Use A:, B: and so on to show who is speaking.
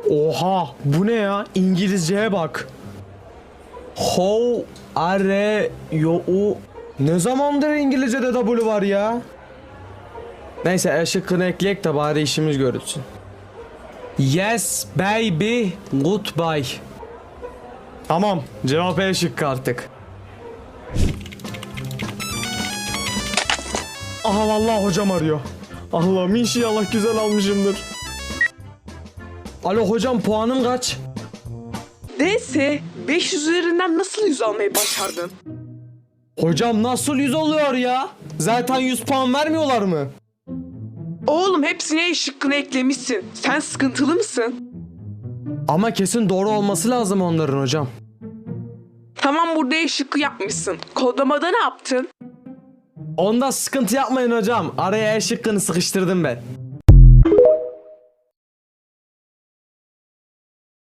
A: Oha, bu ne ya? İngilizceye bak. How are you? Ne zamandır İngilizce'de W var ya? Neyse E şıkkını ekleyek de bari işimiz görülsün. Yes baby goodbye. Tamam, cevap E şıkkı artık. Aha vallahi hocam arıyor. Allah'ım inşallah güzel almışımdır. Alo hocam, puanım kaç?
B: Neyse 500 üzerinden nasıl 100 almayı başardın?
A: Hocam nasıl 100 oluyor ya? Zaten 100 puan vermiyorlar mı?
B: Oğlum hepsine E şıkkını eklemişsin. Sen sıkıntılı mısın?
A: Ama kesin doğru olması lazım onların hocam.
B: Tamam, burada E şıkkı yapmışsın. Kodlamada ne yaptın?
A: Onda sıkıntı yapmayın hocam. Araya E şıkkını sıkıştırdım ben.